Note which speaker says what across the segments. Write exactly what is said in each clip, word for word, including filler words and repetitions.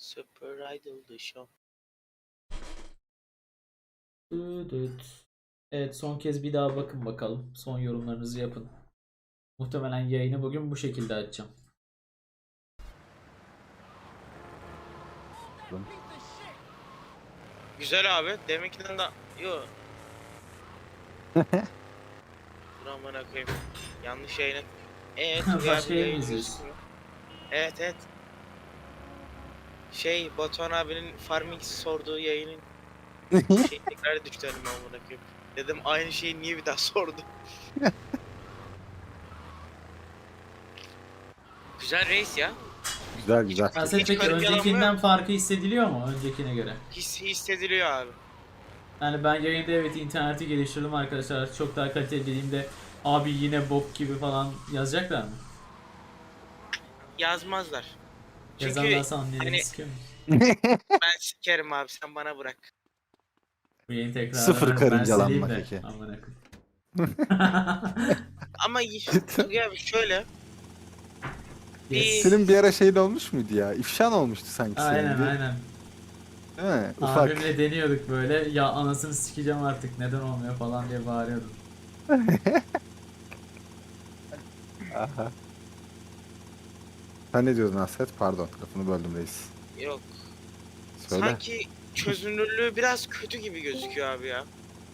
Speaker 1: Super Idol The Show.
Speaker 2: Düdüt. Evet, son kez bir daha bakın bakalım. Son yorumlarınızı yapın. Muhtemelen yayını bugün bu şekilde açacağım.
Speaker 1: Güzel abi. Deminkinden de... Yo. Dur amına koyayım. Yanlış yayını. Evet.
Speaker 2: Başka yayın mı izliyorsun?
Speaker 1: gözüküyor. Evet evet. Şey Batuhan abinin Farming sorduğu yayının şey tekrar düştü önüme amına koyayım. Dedim aynı şeyi niye bir daha sordu. Güzel reis ya.
Speaker 3: Güzel güzel.
Speaker 2: Aslında
Speaker 1: Hiç
Speaker 2: peki
Speaker 1: garip yalan
Speaker 2: öncekinden
Speaker 1: yok.
Speaker 2: farkı hissediliyor mu öncekine göre?
Speaker 1: His, hissediliyor abi.
Speaker 2: Yani ben yayında evet interneti geliştirdim arkadaşlar. Çok daha kaliteli dediğimde abi yine bok gibi falan yazacaklar mı?
Speaker 1: Yazmazlar. Çünkü
Speaker 2: Yazarlarsa annelerini
Speaker 1: hani
Speaker 2: sikiyor mu?
Speaker 1: ben sikerim abi sen bana bırak.
Speaker 2: Bu yayın tekrar
Speaker 3: Sıfır
Speaker 2: ben
Speaker 3: karıncalanma
Speaker 2: sileyim de.
Speaker 3: peki.
Speaker 2: Amına koyayım.
Speaker 1: Ama Tugay abi şöyle
Speaker 2: Yes.
Speaker 3: Senin bir ara şeyin olmuş muydu ya? İfşan olmuştu sanki senin.
Speaker 2: Aynen
Speaker 3: bir-
Speaker 2: aynen.
Speaker 3: Değil mi? Ufak.
Speaker 2: Abimle deniyorduk böyle. Ya anasını sikeceğim artık neden olmuyor falan diye bağırıyordum.
Speaker 3: Aha. Sen ne diyordun Hasret? Pardon, lafını böldüm reis.
Speaker 1: yok.
Speaker 3: Söyle.
Speaker 1: Sanki çözünürlüğü biraz kötü gibi gözüküyor abi ya.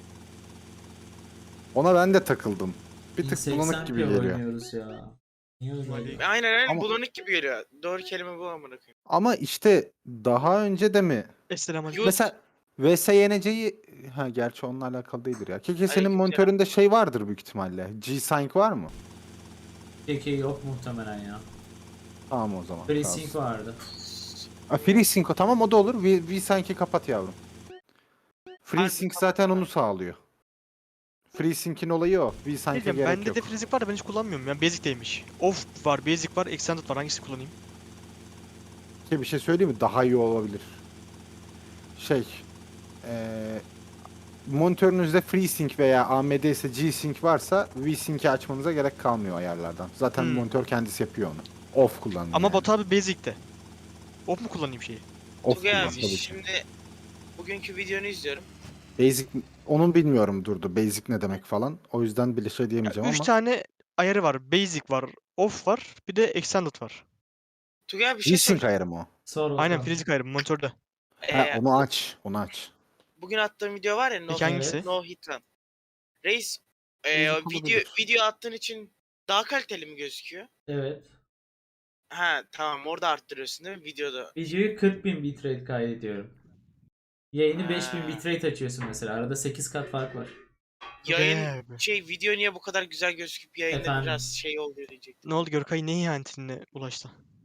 Speaker 3: Ona ben de takıldım. Bir tık
Speaker 2: seksen
Speaker 3: bulanık gibi
Speaker 2: p
Speaker 3: geliyor.
Speaker 2: oynuyoruz ya. Niye öyle oluyor?
Speaker 1: Aynen aynen
Speaker 3: Ama-
Speaker 1: bulanık gibi geliyor. Doğru kelime bu amına koyayım.
Speaker 3: Ama işte daha önce de mi?
Speaker 4: Selamünaleyküm.
Speaker 1: Mesela
Speaker 3: Mesela V S Y N C'yi... Ha gerçi onunla alakalı değildir ya. Keke senin
Speaker 1: Aleykümselam.
Speaker 3: monitöründe şey vardır büyük ihtimalle. G-Sync var mı?
Speaker 2: Peki yok muhtemelen ya.
Speaker 3: Tamam o zaman.
Speaker 2: FreeSync
Speaker 3: kalsın.
Speaker 2: vardı.
Speaker 3: Ha, FreeSync o tamam o da olur. V- V-Sync'i kapat yavrum. FreeSync zaten onu sağlıyor. FreeSync'in olayı o. V-Sync'e
Speaker 4: Diyeceğim,
Speaker 3: gerek
Speaker 4: bende
Speaker 3: yok.
Speaker 4: de freezing var da ben hiç kullanmıyorum. Yani basic'teymiş. Off var, basic var, extended var. Hangisini kullanayım?
Speaker 3: Şey, bir şey söyleyeyim mi? Daha iyi olabilir. Şey, eee monitörünüzde FreeSync veya A M D ise G-Sync varsa V-Sync'i açmanıza gerek kalmıyor ayarlardan. Zaten
Speaker 4: Hmm.
Speaker 3: monitör kendisi yapıyor onu. Off kullanın.
Speaker 4: Ama
Speaker 3: yani.
Speaker 4: Batu abi basic'te. Off mu kullanayım şeyi?
Speaker 3: Off
Speaker 1: Tugay
Speaker 3: kullan
Speaker 1: abi
Speaker 3: tabii ki.
Speaker 1: şimdi bugünkü videonu izliyorum.
Speaker 3: Basic, onun bilmiyorum durdu. Basic ne demek falan. O yüzden bile şey diyemeyeceğim
Speaker 4: Üç
Speaker 3: ama.
Speaker 4: tane ayarı var. Basic var, off var, bir de extended var.
Speaker 1: Tugay abi bir şey
Speaker 3: V-Sync
Speaker 1: soracağım.
Speaker 3: ayarı mı o?
Speaker 2: Sor
Speaker 4: Aynen
Speaker 2: bakalım.
Speaker 4: freezing ayarı monitörde.
Speaker 3: Ha,
Speaker 1: Ee,
Speaker 3: onu aç. Onu aç.
Speaker 1: bugün attığım video var ya No,
Speaker 4: Peki hangisi?
Speaker 1: no Hit Run. Reis e,
Speaker 3: Basic
Speaker 1: video
Speaker 3: olabilir.
Speaker 1: video attığın için daha kaliteli mi gözüküyor?
Speaker 2: Evet.
Speaker 1: Ha tamam orada arttırıyorsun değil mi videoda?
Speaker 2: Videoyu kırk bin bitrate kaydediyorum. Yayını beş bin
Speaker 1: Ha.
Speaker 2: bitrate açıyorsun mesela. Arada sekiz kat fark var.
Speaker 1: Yayın
Speaker 4: Be.
Speaker 1: şey video niye bu kadar güzel gözüküp yayında
Speaker 2: Efendim?
Speaker 1: biraz şey oluyor diyecektim.
Speaker 4: Ne oldu Görkay, ne ihanetine ulaştı?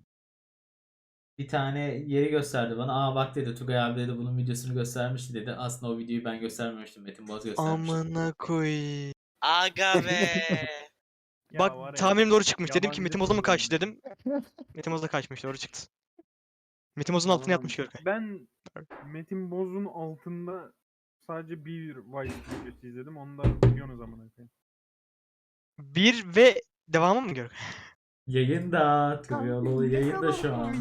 Speaker 2: Bir tane yeri gösterdi bana. Aa bak dedi Tugay abi dedi bunun videosunu göstermişti dedi. Aslında o videoyu ben göstermemiştim. Metin Boz göstermişti.
Speaker 4: Amına koy.
Speaker 1: Aga be.
Speaker 5: Ya
Speaker 4: Bak
Speaker 5: var ya,
Speaker 4: tahminim doğru çıkmış. Dedim ki
Speaker 5: yabancı
Speaker 4: Metin Boz'a mı kaçtı
Speaker 5: program.
Speaker 4: dedim. Metin Boz'a kaçmış, doğru çıktı. Metin Boz'un altına
Speaker 5: Yalan.
Speaker 4: yatmış Görkay.
Speaker 5: Ben Metin Boz'un altında sadece bir Vice videosu izledim. Onu da biliyorsunuz amına koyayım.
Speaker 4: Bir ve devamı mı Görkay?
Speaker 2: Yayında. Tugayolu yayında şu an.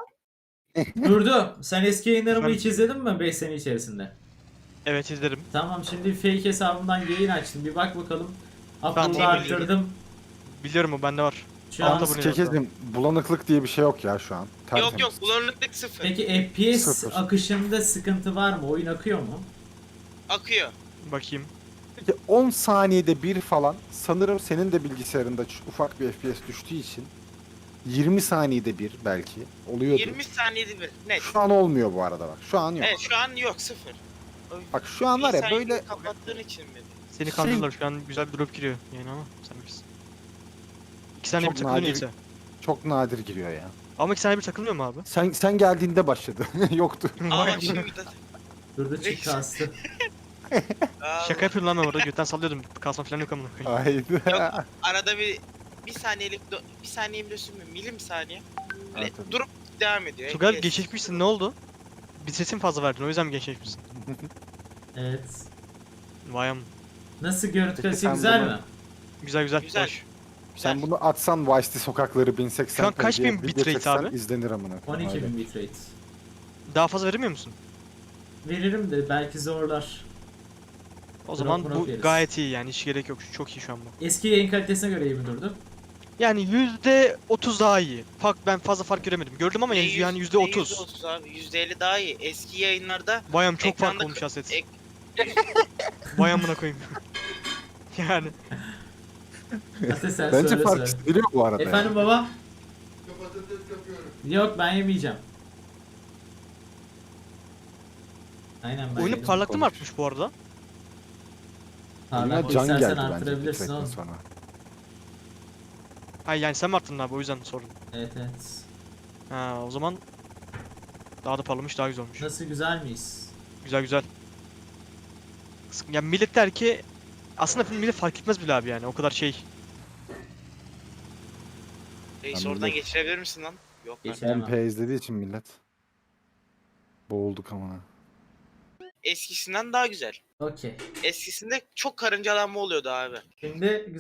Speaker 2: Durdu. Sen eski yayınlarımı
Speaker 4: Ben-
Speaker 2: hiç izledin mi beş sene içerisinde?
Speaker 4: Evet izlerim.
Speaker 2: Tamam şimdi fake hesabımdan yayın açtım. Bir bak bakalım.
Speaker 4: Ben
Speaker 2: Upload'u
Speaker 4: de
Speaker 2: arttırdım.
Speaker 4: Biliyorum, o bende var.
Speaker 2: Şu an
Speaker 4: Altta bu ne?
Speaker 3: Kekezim bulanıklık diye bir şey yok ya şu an.
Speaker 1: yok
Speaker 3: Tertemiz.
Speaker 1: yok bulanıklık sıfır.
Speaker 2: Peki F P S
Speaker 3: Sıfır.
Speaker 2: akışında sıkıntı var mı? Oyun akıyor mu?
Speaker 1: Akıyor.
Speaker 4: Bakayım.
Speaker 3: Peki on saniyede bir falan sanırım senin de bilgisayarında ç- ufak bir F P S düştüğü için yirmi saniyede bir belki oluyordu.
Speaker 1: yirmi saniyede bir net.
Speaker 3: Şu an olmuyor bu arada bak. Şu an yok.
Speaker 1: Evet şu an yok sıfır.
Speaker 3: Bak şu an var ya
Speaker 1: Bir
Speaker 3: böyle
Speaker 1: saniyeyi kapattığın için mi?
Speaker 4: Seni
Speaker 3: Şey-
Speaker 4: kandırdılar, şu an güzel bir drop giriyor yani ama sen bilirsin. İki saniye bir
Speaker 3: Çok
Speaker 4: takılıyor
Speaker 3: nadir-
Speaker 4: neyse.
Speaker 3: çok nadir giriyor ya.
Speaker 4: Ama iki saniye bir takılmıyor mu abi?
Speaker 3: Sen sen geldiğinde başladı. Yoktu.
Speaker 1: Aa
Speaker 4: Vay
Speaker 1: bak şimdi
Speaker 4: be.
Speaker 1: de.
Speaker 2: Durdu çık
Speaker 1: Reis.
Speaker 2: kastı.
Speaker 1: Aa,
Speaker 4: Şaka yapıyorum lan ben orada, götten sallıyordum. Kasma falan yok amına koyayım.
Speaker 3: Haydi.
Speaker 1: Yok. Arada bir bir saniyelik do- bir saniye bile sürmüyor. Milim saniye. Böyle
Speaker 3: Evet, tabii.
Speaker 1: durup devam ediyor.
Speaker 4: Tugay
Speaker 1: F P S.
Speaker 4: geçişmişsin, ne oldu? Bir sesin fazla verdin, o yüzden mi geçişmişsin?
Speaker 2: Evet.
Speaker 4: Vay am.
Speaker 2: Nasıl görüntü
Speaker 3: Peki
Speaker 2: kalitesi
Speaker 3: sen
Speaker 2: güzel
Speaker 3: bunu-
Speaker 2: mi?
Speaker 4: Güzel güzel.
Speaker 1: Güzel.
Speaker 4: Hoş.
Speaker 3: Sen bunu atsan Vice'li sokakları bin seksen
Speaker 4: Şu an kaç
Speaker 3: diye
Speaker 4: bin
Speaker 3: video
Speaker 4: bitrate
Speaker 3: çeksen
Speaker 4: abi?
Speaker 3: izlenir amına.
Speaker 2: on iki
Speaker 3: Öyle.
Speaker 2: bin bitrate.
Speaker 4: Daha fazla veremiyor musun?
Speaker 2: Veririm de belki zorlar.
Speaker 4: O
Speaker 2: Drop
Speaker 4: zaman
Speaker 2: drop
Speaker 4: bu
Speaker 2: yeriz.
Speaker 4: gayet iyi yani hiç gerek yok. Çok iyi şu an bu.
Speaker 2: Eski yayın kalitesine göre iyi mi durdu?
Speaker 4: Yani yüzde otuz daha iyi. Fark ben fazla fark göremedim. Gördüm ama
Speaker 1: Ne
Speaker 4: yani
Speaker 1: yüz-
Speaker 4: yani
Speaker 1: ne
Speaker 4: yüzde otuz.
Speaker 1: yüzde otuz abi. yüzde elli daha iyi. Eski yayınlarda
Speaker 4: Bayam çok fark
Speaker 1: ekranda
Speaker 4: olmuş
Speaker 1: k-
Speaker 4: aset.
Speaker 1: ek-
Speaker 4: Bayamına koyayım. yani
Speaker 2: Aslında sen
Speaker 3: Bence
Speaker 2: söyle
Speaker 3: fark
Speaker 2: söyle.
Speaker 3: hissediliyor bu arada.
Speaker 2: Efendim
Speaker 3: yani.
Speaker 2: baba? Yok ben yemeyeceğim. Aynen ben
Speaker 4: oyunu
Speaker 2: yedim.
Speaker 4: parlaklığı mı
Speaker 3: konuş.
Speaker 4: artmış bu arada?
Speaker 3: Oyuna
Speaker 2: Parlaklığı
Speaker 3: can
Speaker 2: istersen
Speaker 3: geldi bence bir
Speaker 2: arttırabilirsin
Speaker 3: süretten
Speaker 2: oğlum.
Speaker 3: sonra.
Speaker 4: Hayır yani sen mi arttırdın abi o yüzden sordum.
Speaker 2: Evet evet.
Speaker 4: Ha o zaman daha da parlamış daha güzel olmuş.
Speaker 2: Nasıl, güzel miyiz?
Speaker 4: Güzel güzel. Sık- Yani millet der ki aslında millet fark etmez bile abi yani o kadar şey.
Speaker 1: Reis
Speaker 3: Ben
Speaker 1: oradan
Speaker 3: millet-
Speaker 1: geçirebilir misin lan? Yok lan.
Speaker 2: Geçer.
Speaker 3: M P izlediği için millet. Boğulduk amına.
Speaker 1: Eskisinden daha güzel.
Speaker 2: Okey.
Speaker 1: Eskisinde çok karıncalanma oluyordu abi.
Speaker 2: Şimdi